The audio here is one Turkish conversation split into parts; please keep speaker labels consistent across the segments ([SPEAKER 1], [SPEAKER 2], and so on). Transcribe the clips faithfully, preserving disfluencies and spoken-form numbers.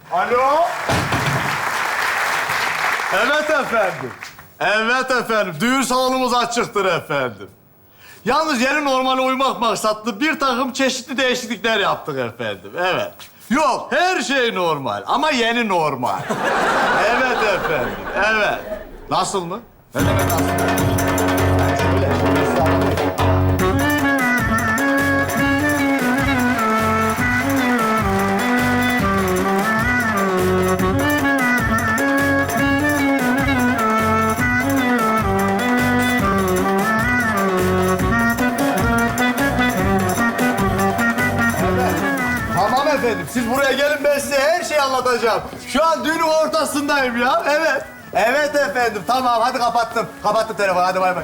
[SPEAKER 1] Alo? Evet efendim. Evet efendim. Düğün salonumuz açıktır efendim. Yalnız yeni normale uymak maksatlı bir takım çeşitli değişiklikler yaptık efendim. Evet. Yok, her şey normal ama yeni normal. Evet efendim, evet. Nasıl mı? Ne demek nasıl? Şöyle, şöyle size anlatayım. Tamam efendim, siz buraya gelin, ben size her şeyi anlatacağım. Şu an düğünün ortasındayım ya, evet. Evet efendim, tamam, hadi kapattım. Kapattım telefonu, hadi bay bay.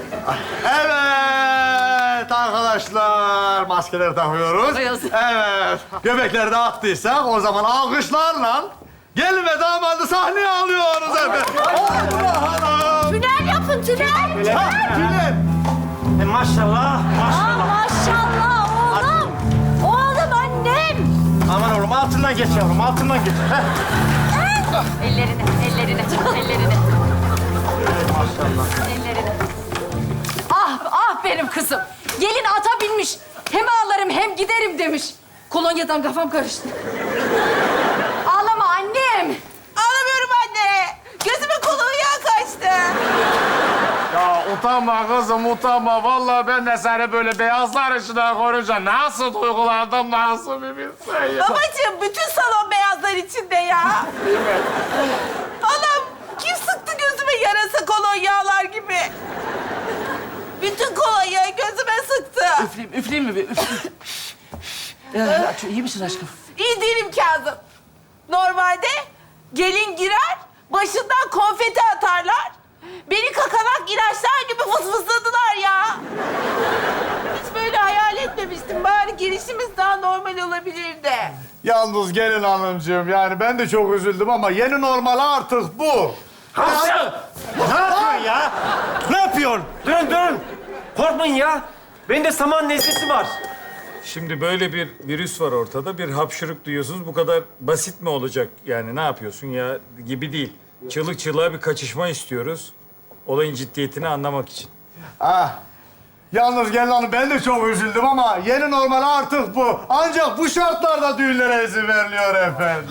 [SPEAKER 1] Evet arkadaşlar, maskeleri takıyoruz. Evet, göbekleri de attıysak o zaman alkışlarla gelin ve damadı sahneye alıyoruz efendim. Allah!
[SPEAKER 2] Tünel yapın, tünel.
[SPEAKER 1] Ha, tünel.
[SPEAKER 3] E, maşallah,
[SPEAKER 2] Aa,
[SPEAKER 3] maşallah.
[SPEAKER 2] maşallah oğlum. Oğlum annem.
[SPEAKER 3] Aman oğlum altından geç yavrum, altından geç. Heh.
[SPEAKER 2] Ellerini, ellerini, ellerini.
[SPEAKER 3] Maşallah.
[SPEAKER 2] Ellerini. Ah, ah benim kızım. Gelin ata binmiş. Hem ağlarım hem giderim demiş. Kolonyadan kafam karıştı. Ağlama annem.
[SPEAKER 4] Ağlamıyorum anne. Gözüme kolonya kaçtı.
[SPEAKER 5] Ya utanma kızım, utanma. Vallahi ben de seni böyle beyazlar içinde görünce nasıl duygulandım, nasıl bir bilsen ya.
[SPEAKER 4] Babacığım bütün salon beyazlar içinde ya. Anam kim sıktı gözüme yarasa kolonyalar gibi. Bütün kolonyayı gözüme sıktı.
[SPEAKER 6] Üfleyeyim, üfleyeyim mi bir? Üfleyeyim. Ya, iyi misin aşkım?
[SPEAKER 4] İyi değilim Kazım. Normalde gelin girer, başından konfeti atarlar. Beni kakanak ilaçlar gibi fısfısladılar ya. Hiç böyle hayal etmemiştim. Bari girişimiz daha normal olabilirdi.
[SPEAKER 1] Yalnız gelin hanımcığım, yani ben de çok üzüldüm ama yeni normal artık bu.
[SPEAKER 3] Hamsi! Ne yapıyorsun ya? Ne yapıyorsun? Dön, dön. Korkmayın ya. Bende saman nezlesi var.
[SPEAKER 5] Şimdi böyle bir virüs var ortada, bir hapşırık duyuyorsunuz. Bu kadar basit mi olacak yani? Ne yapıyorsun ya gibi değil. Çığlık çığlığa bir kaçışma istiyoruz. Olayın ciddiyetini anlamak için.
[SPEAKER 1] Ah. Yalnız gelin hanım, ben de çok üzüldüm ama yeni normal artık bu. Ancak bu şartlarda düğünlere izin veriliyor efendim.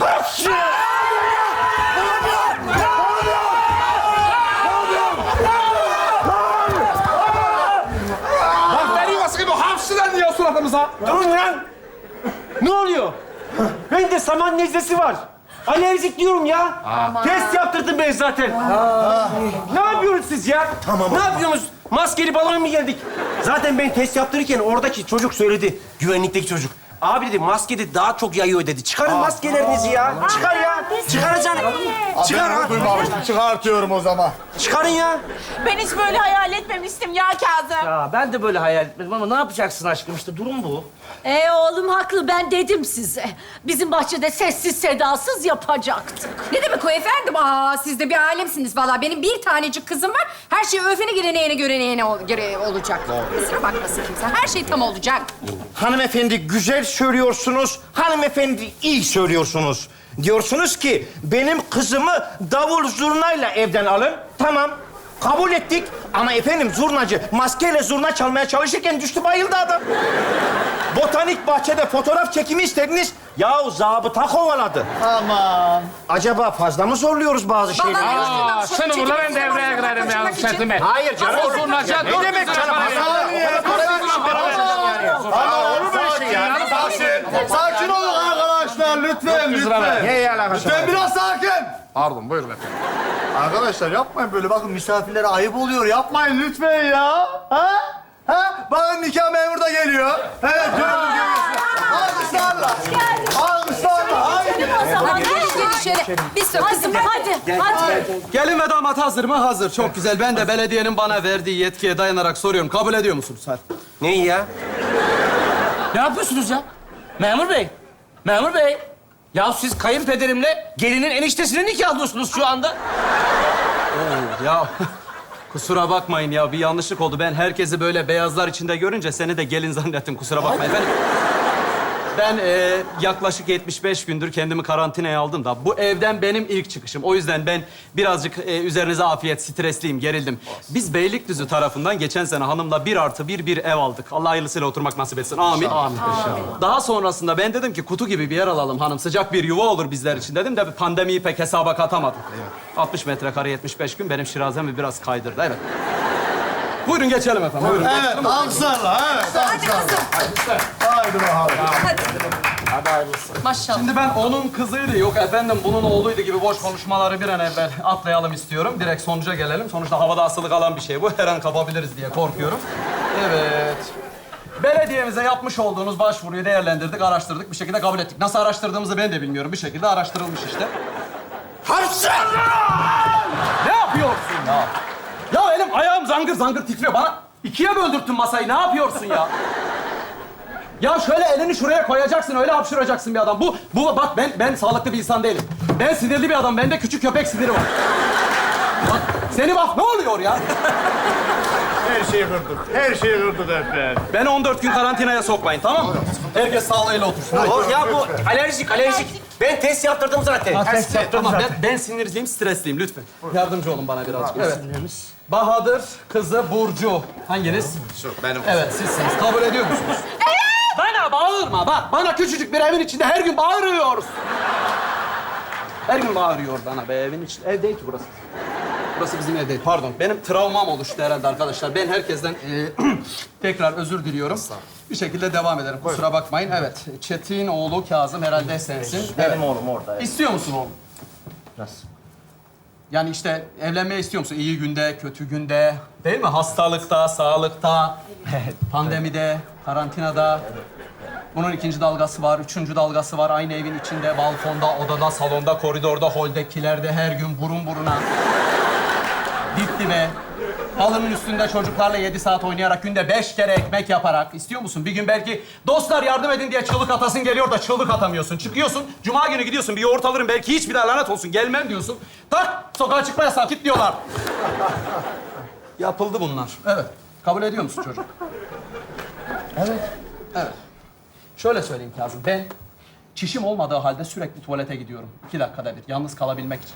[SPEAKER 5] Bakteri yuvası gibi hapşıran diyor suratımıza.
[SPEAKER 3] Durun lan. Ne oluyor? Bende saman nezlesi var. Alerjik diyorum ya. Test yaptırdım ben zaten. Ne yapıyorsunuz siz ya? Tamam. Ne yapıyorsunuz? Maskeli balona mı geldik? Zaten ben test yaptırırken oradaki çocuk söyledi. Güvenlikteki çocuk. Abi dedi maske dedi daha çok yayıyor dedi. Çıkarın maskelerinizi ya. Çıkar ya. Çıkaracaksın. Çıkar
[SPEAKER 1] Ben
[SPEAKER 3] ha.
[SPEAKER 1] bunu duymamıştım. Çıkartıyorum o zaman.
[SPEAKER 3] Çıkarın ya.
[SPEAKER 4] Ben hiç böyle hayal etmemiştim ya Kazım.
[SPEAKER 6] Ya ben de böyle hayal etmedim ama ne yapacaksın aşkım? İşte durum bu.
[SPEAKER 2] Ee oğlum haklı, ben dedim size. Bizim bahçede sessiz sedasız yapacaktık.
[SPEAKER 7] Ne demek o efendim? Aa, siz de bir alemsiniz vallahi. Benim bir tanecik kızım var. Her şey öfene gireneğine göreneğine ol- göre olacak. Kusura bakmasın kimse. Her şey tam olacak.
[SPEAKER 8] Hanımefendi güzel söylüyorsunuz, hanımefendi iyi söylüyorsunuz. Diyorsunuz ki benim kızımı davul zurnayla evden alın. Tamam, kabul ettik. Ama efendim zurnacı maskeyle zurna çalmaya çalışırken düştü bayıldı adam. Botanik bahçede fotoğraf çekimi istediniz. Yahu zabıta kovaladı.
[SPEAKER 1] Aman.
[SPEAKER 8] Acaba fazla mı zorluyoruz bazı şeyleri?
[SPEAKER 5] Aa, şunu burada ben devreye girerim ya setime.
[SPEAKER 8] Hayır canım. Ne demek canım?
[SPEAKER 1] Ama olur böyle şey ya. Sakin. Sakin olun arkadaşlar, lütfen, lütfen.
[SPEAKER 8] Neye alakası var?
[SPEAKER 1] Lütfen biraz sakin.
[SPEAKER 5] Pardon, buyurun efendim.
[SPEAKER 1] Arkadaşlar yapmayın böyle. Bakın misafirlere ayıp oluyor. Yapmayın lütfen ya. Ha? Ha? Bakın nikah memuru da geliyor. Evet, gördüm görüyorsun. Alkışlarla. Alkışlarla. Haydi.
[SPEAKER 2] O zaman
[SPEAKER 7] Hadi gelin şöyle. Bir sor kızım.
[SPEAKER 2] hadi, hadi.
[SPEAKER 9] Gelin ve damat hazır mı? Hazır. Çok güzel. Ben de belediyenin bana verdiği yetkiye dayanarak soruyorum. Kabul ediyor musunuz? Hadi.
[SPEAKER 3] Neyi ya?
[SPEAKER 6] Ne yapıyorsunuz ya? Memur bey, memur bey. Ya siz kayınpederimle gelinin eniştesini nikahlıyorsunuz şu anda.
[SPEAKER 9] Ya kusura bakmayın ya. Bir yanlışlık oldu. Ben herkesi böyle beyazlar içinde görünce seni de gelin zannettim. Kusura bakmayın. Ben... Ben e, yaklaşık yetmiş beş gündür kendimi karantinaya aldım da bu evden benim ilk çıkışım. O yüzden ben birazcık e, üzerinize afiyet, stresliyim, gerildim. Biz Beylikdüzü tarafından geçen sene hanımla bir artı bir bir ev aldık. Allah hayırlısıyla oturmak nasip etsin. Amin. Amin. Daha sonrasında ben dedim ki kutu gibi bir yer alalım hanım. Sıcak bir yuva olur bizler için dedim de pandemiyi pek hesaba katamadım. altmış metrekare yetmiş beş gün benim şirazemi biraz kaydırdı. Evet. Buyurun geçelim efendim. Buyurun.
[SPEAKER 1] Evet, alkışlarla. Evet,
[SPEAKER 2] Hadi
[SPEAKER 1] alkışlarla.
[SPEAKER 2] kızım.
[SPEAKER 1] Haydi bakalım.
[SPEAKER 2] Maşallah.
[SPEAKER 9] Şimdi ben onun kızıydı, yok efendim bunun oğluydu gibi boş konuşmaları bir an evvel atlayalım istiyorum. Direkt sonuca gelelim. Sonuçta havada asılı kalan bir şey bu. Her an kapabiliriz diye korkuyorum. Evet. Belediyemize yapmış olduğunuz başvuruyu değerlendirdik, araştırdık. Bir şekilde kabul ettik. Nasıl araştırdığımızı ben de bilmiyorum. Bir şekilde araştırılmış işte. Hamsi! Ne yapıyorsun ya? Ya elim ayağım zangır zangır titriyor. Bana ikiye böldürttün masayı. Ne yapıyorsun ya? Ya şöyle elini şuraya koyacaksın, öyle hapşıracaksın bir adam. Bu, bu bak ben ben sağlıklı bir insan değilim. Ben sinirli bir adam, bende küçük köpek siniri var. Bak, seni bak, ne oluyor ya?
[SPEAKER 1] Her şeyi kırdık. Her şeyi kırdık efendim.
[SPEAKER 9] Beni on dört gün karantinaya sokmayın, tamam mı? Herkes sağlığıyla otursun.
[SPEAKER 3] O, ya bu alerjik, alerjik. Ben test yaptırdım zaten.
[SPEAKER 9] Test Tamam, ben, ben sinirliyim, stresliyim lütfen. Yardımcı olun bana birazcık. Evet. Bahadır, kızı Burcu. Hanginiz?
[SPEAKER 8] Şu benim.
[SPEAKER 9] Evet, sizsiniz. Kabul ediyor musunuz? Evet! Bana bağırma, bak. Bana küçücük bir evin içinde her gün bağırıyoruz. Her gün bağırıyor bana be evin içinde. Ev değil ki burası. Burası bizim ev değil. Pardon, benim travmam oluştu herhalde arkadaşlar. Ben herkesten e, tekrar özür diliyorum. Bir şekilde devam ederim. Kusura bakmayın. Evet, Çetin oğlu Kazım herhalde sensin.
[SPEAKER 3] Benim
[SPEAKER 9] Evet.
[SPEAKER 3] oğlum orada. Evet.
[SPEAKER 9] İstiyor musun oğlum?
[SPEAKER 3] Nasıl?
[SPEAKER 9] Yani işte evlenmeyi istiyor musun? İyi günde, kötü günde, değil mi? Hastalıkta, sağlıkta, pandemide, karantinada. Bunun ikinci dalgası var, üçüncü dalgası var. Aynı evin içinde, balkonda, odada, salonda, koridorda, holde, kilerde, her gün burun buruna. Dip dibe. Halının üstünde çocuklarla yedi saat oynayarak, günde beş kere ekmek yaparak. İstiyor musun? Bir gün belki dostlar yardım edin diye çığlık atasın geliyor da çığlık atamıyorsun. Çıkıyorsun, cuma günü gidiyorsun, bir yoğurt alırım belki hiçbir daha lanet olsun, gelmem diyorsun. Tak, sokağa çıkma yasağı, git diyorlar. Yapıldı bunlar. Evet. Kabul ediyor musun çocuk? Evet. Evet. Şöyle söyleyeyim Kazım, ben çişim olmadığı halde sürekli tuvalete gidiyorum. İki dakikada bir, yalnız kalabilmek için.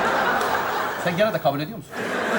[SPEAKER 9] Sen gene de kabul ediyor musun?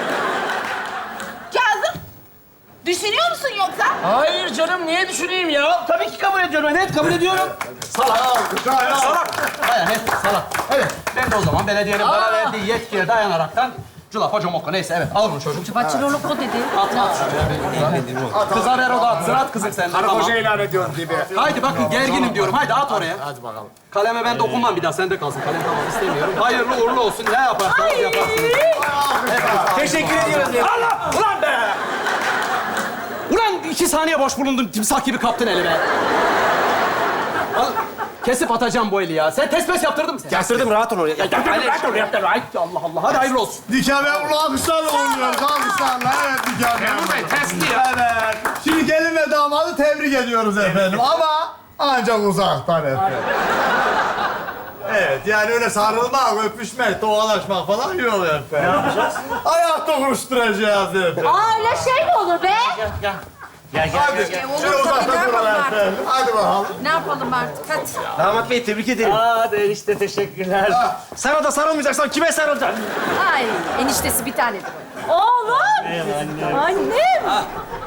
[SPEAKER 4] Kazım, düşünüyor musun yoksa?
[SPEAKER 6] Hayır canım, niye düşüneyim ya? Tabii ki kabul ediyorum. Net kabul ediyorum.
[SPEAKER 9] Salak. Salak. Hayır, net salak. Evet, ben de o zaman belediyenin bana verdiği yetkiye dayanaraktan culafa comokka neyse, evet. Al bunu çocuk.
[SPEAKER 2] Bachelorluk o dedi.
[SPEAKER 9] At, at şuraya. Kıza ver o da atsın. At kızım sen de. Tamam.
[SPEAKER 1] ilan ediyorum gibi.
[SPEAKER 9] Haydi bakın, gerginim diyorum. Haydi at oraya. Hadi bakalım. Kaleme ben dokunmam bir daha. Sende kalsın. Kalem tamam, istemiyorum. Hayırlı uğurlu olsun. Ne yaparsanız yaparsınız.
[SPEAKER 3] Teşekkür ediyoruz ya.
[SPEAKER 9] Allah! Ulan be! Ulan iki saniye boş bulundun. Timsah gibi kaptın eli be. Al, kesip atacağım bu eli ya. Sen test mes yaptırdın mı sen?
[SPEAKER 3] Yaptırdım, rahat ol oraya. Ya,
[SPEAKER 9] Rahat ol, yaptır. Ay, Allah Allah. Hadi hayırlı olsun.
[SPEAKER 1] Nikah memuru alkışlarla oynuyoruz. Alkışlarla. Evet, nikah memuru.
[SPEAKER 6] Testi ya.
[SPEAKER 1] Evet. Şimdi gelin ve damadı tebrik ediyoruz efendim. Ama ancak uzaktan efendim. Evet, yani öyle sarılmak, öpüşmek, tokalaşmak falan yok efendim. Ne yapacağız? Ayakta konuşturacağız efendim.
[SPEAKER 2] Aa öyle şey mi olur be?
[SPEAKER 3] Gel, gel,
[SPEAKER 1] Hadi,
[SPEAKER 3] gel.
[SPEAKER 2] olur
[SPEAKER 1] şöyle
[SPEAKER 2] tabii,
[SPEAKER 1] uzakta
[SPEAKER 2] ne
[SPEAKER 1] duralım
[SPEAKER 2] yapalım
[SPEAKER 1] efendim. Hadi bakalım.
[SPEAKER 2] Ne yapalım artık? Hadi.
[SPEAKER 3] Damat Bey, tebrik ederim. Aa, enişte teşekkürler. Sana da sarılmayacaksan kime sarılacaksın?
[SPEAKER 2] Ay eniştesi bir tanedir. Oğlum. Annem.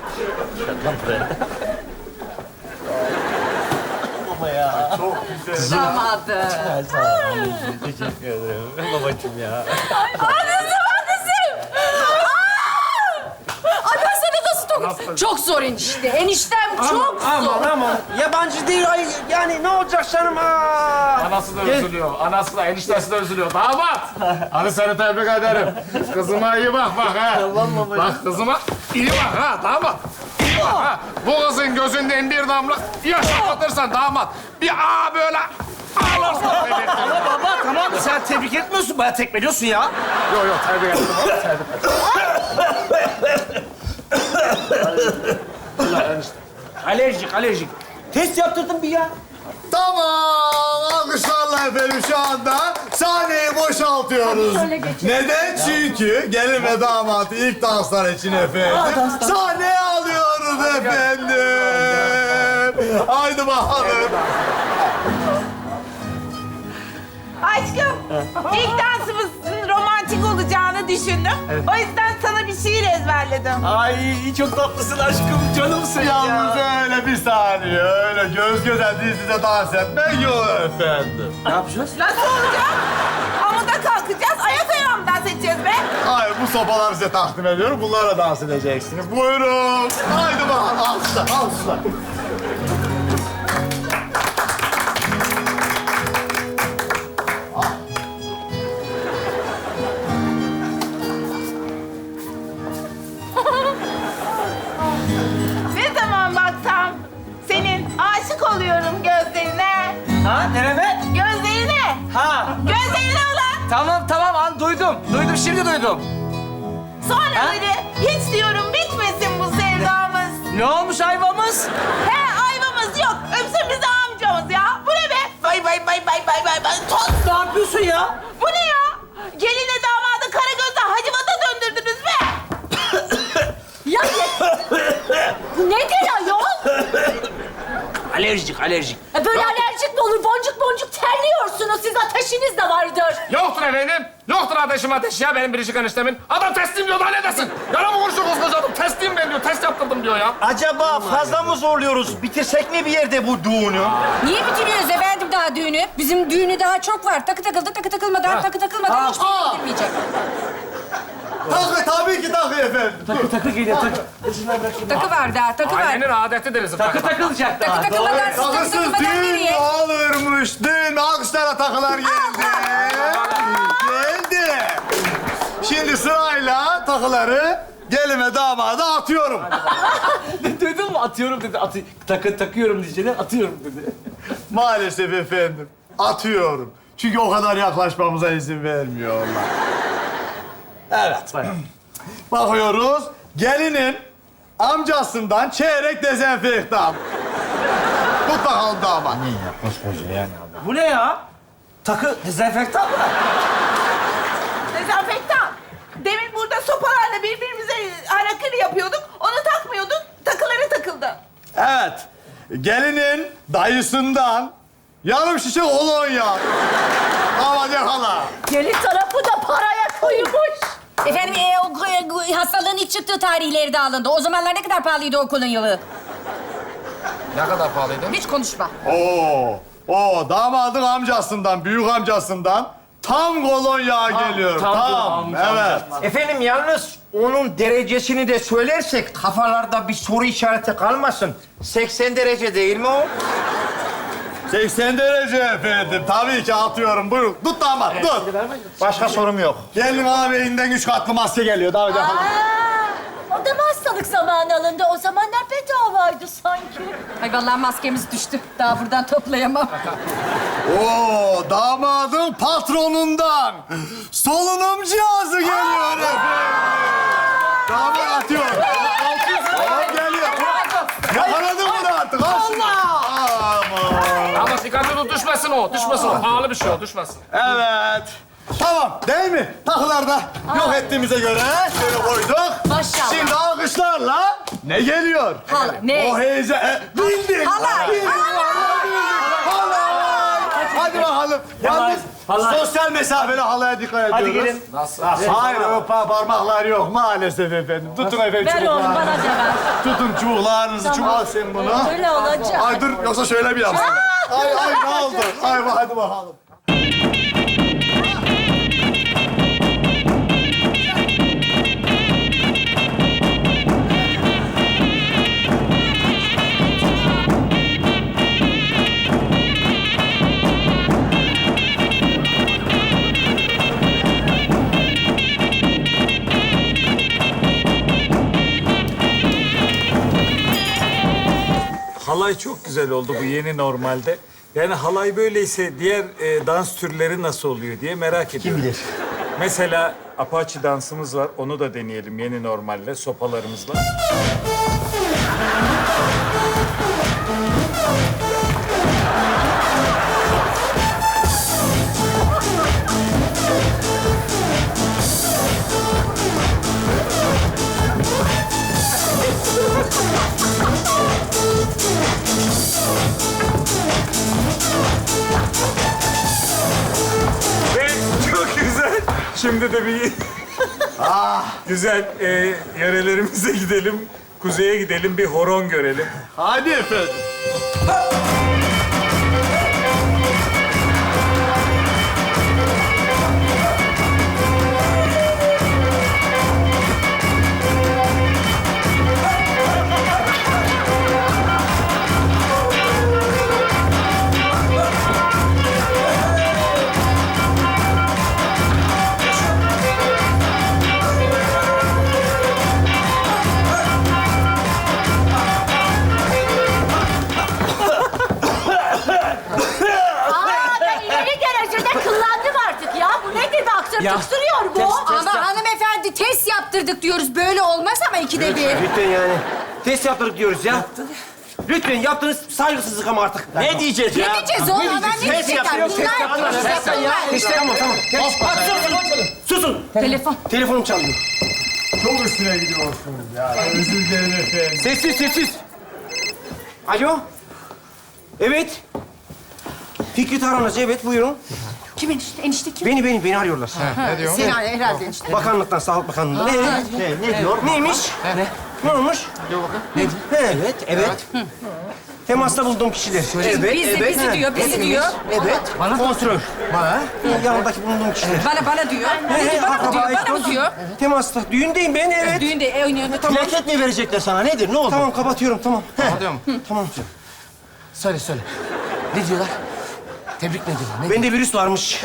[SPEAKER 2] Damadı.
[SPEAKER 3] Teşekkür ederim. Babacığım ya.
[SPEAKER 2] Annesi, annesi. Annesine nasıl dokun? Çok zor enişte. Eniştem çok zor.
[SPEAKER 3] Aman aman. Yabancı değil. Ay, yani ne olacak canım? Aa.
[SPEAKER 6] Anası da üzülüyor. Anası da, eniştesi de üzülüyor. Damat! Hadi seni tebrik ederim. Kızıma iyi bak bak ha. Bak kızıma iyi bak ha damat. İyi bak ha. Bu kızın gözünden bir damla yaş akıtırsan damat. Bir aa böyle ağlarsan tebrik ederim.
[SPEAKER 3] Ama baba tamam, sen tebrik etmiyorsun. Bayağı tekmeliyorsun ya.
[SPEAKER 6] Yok yok tebrik ederim. Tebrik ederim.
[SPEAKER 3] Alerjik, alerjik. Test yaptırdım bir ya.
[SPEAKER 1] Tamam, alkışlarla efendim şu anda sahneyi boşaltıyoruz.
[SPEAKER 2] Şöyle geçelim.
[SPEAKER 1] Neden? Çünkü gelin ve damatı ilk danslar için efendim. Sahneye alıyoruz efendim. Haydi bakalım.
[SPEAKER 4] Aşkım, ilk dansımızın romantik olacağını düşündüm. O yüzden sana bir şiir ezberledim.
[SPEAKER 3] Ay çok tatlısın aşkım, canımsın
[SPEAKER 1] Yalnız
[SPEAKER 3] ya.
[SPEAKER 1] öyle bir saniye, öyle göz göze diz dize dans etmek yok efendim.
[SPEAKER 3] Ne yapacağız?
[SPEAKER 4] Nasıl olacak? Amuda kalkacağız, ayak ayağı mı dans edeceğiz be?
[SPEAKER 1] Hayır, bu sopaları size takdim ediyorum. Bunlarla dans edeceksiniz. Buyurun. Haydi bakalım. Alkışlar, alkışlar.
[SPEAKER 4] Ne zaman baksam senin aşık oluyorum gözlerine.
[SPEAKER 3] Ha, nereme?
[SPEAKER 4] Gözlerine.
[SPEAKER 3] Ha,
[SPEAKER 4] Gözlerine ulan.
[SPEAKER 3] tamam tamam an duydum. Duydum, şimdi duydum.
[SPEAKER 4] Sonra
[SPEAKER 3] Ha?
[SPEAKER 4] böyle hiç diyorum bitmesin bu sevdamız.
[SPEAKER 3] Ne olmuş ayvamız?
[SPEAKER 4] He ayvamız yok. Öpsün bizi amcamız ya. Bu ne be? Bay bay bay bay bay bay bay. Toz.
[SPEAKER 3] Ne yapıyorsun ya?
[SPEAKER 4] Bu ne ya? Gelinle damadı Karagöz'de Hacivat'a döndürdünüz be.
[SPEAKER 2] Ya ne? Nedir ayol?
[SPEAKER 3] Alerjik, alerjik.
[SPEAKER 2] E böyle alerjik mi olur? Boncuk boncuk terliyorsunuz. Siz ateşiniz de vardır.
[SPEAKER 6] Yoktur efendim. Yoktur ateşim ateş ya benim biricik eniştemin. Adam teslim diyor, daha ne desin? Yalan mı konuşuyor koskoca adam? Teslim ben diyor, test yaptırdım diyor ya.
[SPEAKER 8] Acaba fazla mı zorluyoruz? Bitirsek mi bir yerde bu düğünü?
[SPEAKER 7] Niye bitiriyoruz efendim daha düğünü? Bizim düğünü daha çok var. Takı takıldı, takı takılmadan, takı takılmadan hiçbir şey bitirmeyecek.
[SPEAKER 1] Takı, tabii ki takı efendim.
[SPEAKER 3] Takı takı geliyor, takı.
[SPEAKER 7] Takı var daha, takı var.
[SPEAKER 6] Ailenin adeti deriz.
[SPEAKER 3] Takı takılacak daha.
[SPEAKER 7] Takı takılmadan, takı
[SPEAKER 1] Takısız
[SPEAKER 7] takılmadan
[SPEAKER 1] düğün
[SPEAKER 7] nereye?
[SPEAKER 1] olurmuş. Düğün alkışlara takılar geldi. Geldi. Şimdi sırayla takıları gelime damada atıyorum.
[SPEAKER 3] Duydun mu? Atıyorum dedi. Atı, takı takıyorum diyeceğine atıyorum dedi.
[SPEAKER 1] Maalesef efendim. Atıyorum. Çünkü o kadar yaklaşmamıza izin vermiyorlar. Evet. Bakıyoruz. Gelinin amcasından çeyrek dezenfektan. Tut bakalım damat.
[SPEAKER 3] Bu ne ya? Takı dezenfektan mı?
[SPEAKER 4] Dezenfektan. Demin burada sopalarla birbirimize harakiri yapıyorduk. Onu takmıyorduk. Takıları takıldı.
[SPEAKER 1] Evet. Gelinin dayısından yarım şişe kolonya. Damat yakala.
[SPEAKER 2] Gelin tarafı da paraya koymuş.
[SPEAKER 7] Efendim e, o, e, hastalığın ilk çıktığı tarihleri de alındı. O zamanlar ne kadar pahalıydı o kolonyalı?
[SPEAKER 6] Ne kadar pahalıydı?
[SPEAKER 7] Hiç konuşma.
[SPEAKER 1] Oo. Oo, damadın amcasından, büyük amcasından tam kolonya geliyor.
[SPEAKER 3] tam
[SPEAKER 1] Tam.
[SPEAKER 3] amca,
[SPEAKER 1] Evet.
[SPEAKER 8] Efendim yalnız onun derecesini de söylersek kafalarda bir soru işareti kalmasın. seksen derece değil mi o?
[SPEAKER 1] seksen derece efendim. Tabii ki atıyorum. Buyurun. Tut damat, tut.
[SPEAKER 8] Başka sorum yok.
[SPEAKER 1] Gelin ağabeyinden üç katlı maske geliyor. Damat yakala.
[SPEAKER 2] Aa, o da mı hastalık zamanı alındı? O zamanlar bedavaydı sanki.
[SPEAKER 7] Ay vallahi maskemiz düştü. Daha buradan toplayamam.
[SPEAKER 1] Oo, damadın patronundan solunum cihazı geliyor efendim. Damat atıyor. Tamam geliyor. Yakaladın mı artık? Allah! Aman.
[SPEAKER 6] Ama dikkatli tut, düşmesin o. Düşmesin o. Pahalı bir şey o, düşmesin.
[SPEAKER 1] Evet. Tamam değil mi? Takılar da yok ettiğimize göre şöyle koyduk.
[SPEAKER 2] Maşallah.
[SPEAKER 1] Şimdi alkışlarla ne geliyor?
[SPEAKER 2] Hala, ne?
[SPEAKER 1] O heyecan... E, bildin.
[SPEAKER 7] Halay.
[SPEAKER 1] Bildin. Halay. Hadi bakalım. Yalnız
[SPEAKER 3] halay.
[SPEAKER 1] sosyal mesafeli halaya dikkat
[SPEAKER 3] Hadi
[SPEAKER 1] ediyoruz.
[SPEAKER 3] gelin.
[SPEAKER 6] Nasıl?
[SPEAKER 1] Hayır, o pa- parmaklar yok maalesef efendim. Tutun efendim
[SPEAKER 2] Ver oğlum
[SPEAKER 1] çubuklarınızı.
[SPEAKER 2] bana da ver.
[SPEAKER 1] Tutun çubuklarınızı, çubuk sen bunu.
[SPEAKER 2] Öyle olacak.
[SPEAKER 1] Ay dur, yoksa şöyle bir yapsın. Ay ay ne oldu? Ay hadi bakalım.
[SPEAKER 5] Halay çok güzel oldu bu yeni normalde. Yani halay böyleyse diğer e, dans türleri nasıl oluyor diye merak ediyorum. Kim bilir? Mesela Apache dansımız var. Onu da deneyelim yeni normalle, sopalarımızla. Şimdi de bir güzel e, yörelerimize gidelim. Kuzeye gidelim, bir horon görelim.
[SPEAKER 1] Hadi efendim.
[SPEAKER 2] Aa ben ileri derecede kıllandım artık ya. Bu ne dedi? Aksır
[SPEAKER 3] Ya.
[SPEAKER 2] tıksırıyor bu.
[SPEAKER 3] Test, test.
[SPEAKER 7] Ama hanımefendi test yaptırdık diyoruz. Böyle olmaz ama ikide bir.
[SPEAKER 3] Lütfen yani. Test yaptırdık diyoruz ya. Lütfen yaptığınız saygısızlık ama artık.
[SPEAKER 8] Ne diyeceğiz ya?
[SPEAKER 7] Ne diyeceğiz oğlum? Ben ne diyecekler? Bunlar test yapılmaz.
[SPEAKER 3] Tamam tamam. Susun.
[SPEAKER 7] Telefon.
[SPEAKER 3] Telefonum çalıyor.
[SPEAKER 1] Çok üstüne gidiyorsunuz ya. Özür dilerim efendim.
[SPEAKER 3] Sessiz sessiz. Alo. Evet. Fikret Aranacı, evet buyurun.
[SPEAKER 7] Kim enişte? Enişte kim?
[SPEAKER 3] Beni, beni, beni arıyorlar.
[SPEAKER 6] Ne diyor?
[SPEAKER 7] Seni herhalde enişte.
[SPEAKER 3] Bakanlıktan, Sağlık Bakanlığı'ndan. Ne, ne, ne diyor? Neymiş? Ne? Ne olmuş?
[SPEAKER 6] Diyor bakın.
[SPEAKER 3] Ne? Evet, evet. Temasta bulduğum kişiler. Evet,
[SPEAKER 7] Bizi, bizi diyor, bizi diyor.
[SPEAKER 3] Evet. Bana kontrol. Bana? Yanındaki bulunduğum kişiler.
[SPEAKER 7] Bana, bana diyor.
[SPEAKER 3] He, he,
[SPEAKER 7] Bana mı diyor,
[SPEAKER 3] akraba,
[SPEAKER 7] bana mı diyor?
[SPEAKER 3] Temasta. Düğündeyim ben, evet.
[SPEAKER 7] Düğünde e, oynuyor. Tamam.
[SPEAKER 8] Plaket mi verecekler sana? Nedir? Ne oldu?
[SPEAKER 3] Tamam, kapatıyorum, tamam.
[SPEAKER 6] Anlıyor musun?
[SPEAKER 3] Tamam.
[SPEAKER 6] Söyle söyle. Ne diyorlar? Tebrik mi diyorlar? Ne?
[SPEAKER 3] Bende virüs varmış.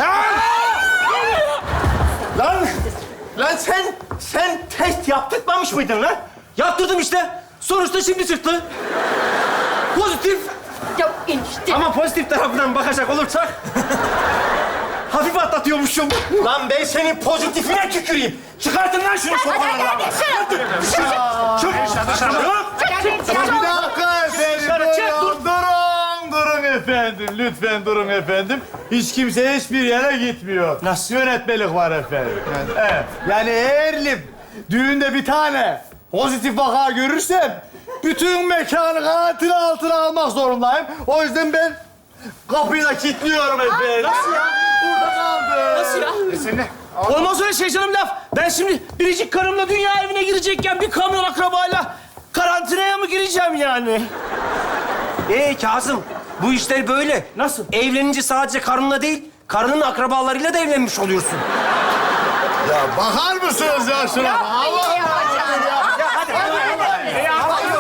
[SPEAKER 8] Lan! Lan sen, sen test yaptırmamış mıydın lan?
[SPEAKER 3] Yaptırdım işte. Sonuçta şimdi çıktı. Pozitif.
[SPEAKER 7] Ya enişte.
[SPEAKER 3] Ama pozitif tarafından bakacak olursak... hafif atlatıyormuşum.
[SPEAKER 8] Lan ben senin pozitifine tüküreyim.
[SPEAKER 3] Çıkartın lan şunu sokaklara.
[SPEAKER 8] Çık!
[SPEAKER 1] Bir dakika efendim. Durun, durun, durun efendim. Lütfen durun efendim. Hiç kimse hiçbir yere gitmiyor.
[SPEAKER 8] Nasıl?
[SPEAKER 1] Yönetmelik var efendim. Evet. Yani eğer düğünde bir tane pozitif vaka görürsem bütün mekanı karantina altına almak zorundayım. O yüzden ben kapıyı da kilitliyorum efendim. Nasıl ya? Burada kaldım.
[SPEAKER 3] Nasıl ya?
[SPEAKER 6] E sen ne?
[SPEAKER 3] Olmaz öyle şey canım laf. Ben şimdi biricik karımla dünya evine girecekken bir kamyon akrabayla karantinaya mı gireceğim yani? Ee Kazım, bu işler böyle. Nasıl? Evlenince sadece karınla değil, karının akrabalarıyla da evlenmiş oluyorsun.
[SPEAKER 1] Ya bakar mısınız ya şuna? Allah
[SPEAKER 3] Ya hadi, hadi.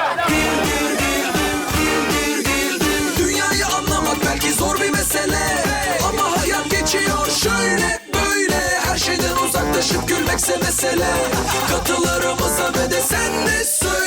[SPEAKER 10] Dünyayı anlamak belki zor bir mesele, ama hayat geçiyor şöyle böyle. Her şeyden uzaklaşıp gülmekse mesele. Katılarımıza ve de sen de söyle.